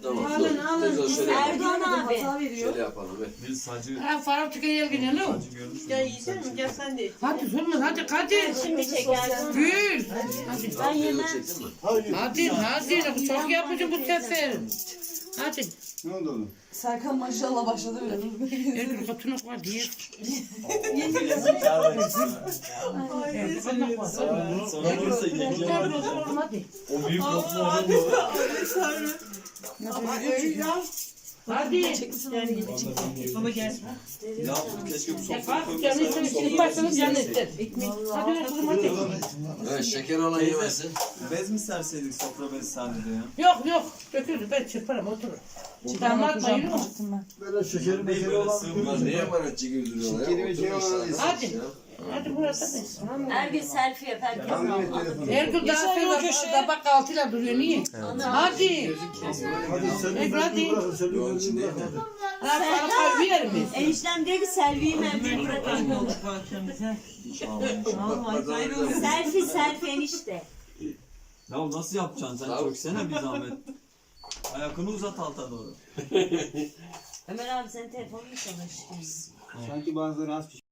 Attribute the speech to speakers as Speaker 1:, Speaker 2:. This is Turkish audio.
Speaker 1: Tamam.
Speaker 2: Alın,
Speaker 1: dur.
Speaker 2: alın.
Speaker 1: Teyze şöyle yapalım.
Speaker 3: Erdoğan abi.
Speaker 2: Hata veriyor.
Speaker 1: Şöyle yapalım. Ver.
Speaker 4: Bir sacı
Speaker 5: Faruk tükeye gel ne o?
Speaker 4: görmüş
Speaker 2: Gel yiyecek misin? Gel sen de.
Speaker 5: Hadi sorma hadi Kadir.
Speaker 3: Şimdi çekersin.
Speaker 5: Gül. Hadi.
Speaker 3: Ben yemem.
Speaker 1: Çektin mi?
Speaker 5: Hadi çok yapmışım bu sefer. Hadi.
Speaker 6: Ne oldu oğlum?
Speaker 2: Serkan maşallah başladı bile.
Speaker 5: Ergül katınak var diye.
Speaker 4: sonra olursa yenge var.
Speaker 5: Hadi.
Speaker 4: O büyük lokma onun da olur.
Speaker 5: Hadi.
Speaker 2: Baba gel.
Speaker 4: Ya keşke bu sofrayı
Speaker 5: Faruk canı ister. İlk başladım canı ister. Hadi ver kızım hadi.
Speaker 1: Evet şeker olan yemesin.
Speaker 4: Bez mi serseydik sofra bezi sadece ya?
Speaker 5: Yok. Dökülür ben çırparım oturur. Damat bayılır mı?
Speaker 6: Böyle şekeri
Speaker 4: Değil böyle sığmıyor.
Speaker 1: Bunlar neye emanet girdiriyorlar ya?
Speaker 6: Şekeri ve şey
Speaker 1: Oturmuş
Speaker 6: olan-
Speaker 1: zaten.
Speaker 5: Hadi. Hadi burası hadi.
Speaker 3: Ergün selfie yap herkes.
Speaker 6: Hangi telefonu?
Speaker 5: Ergül daha sonra köşede bak altıyla duruyor niye? Hadi.
Speaker 6: Hadi sen
Speaker 5: Hadi.
Speaker 6: bırakın, sen
Speaker 1: Yok, için değil mi?
Speaker 5: Faruk abi yer mi?
Speaker 3: Eniştem diyor ki selfie'yi merdiven bırakalım. Selfie enişte.
Speaker 4: Ya nasıl yapacaksın sen çöksene bir zahmet. Ayakını uzat alta doğru.
Speaker 3: Ömer abi senin telefonunu mu çalıştın?
Speaker 6: Sanki bazıları az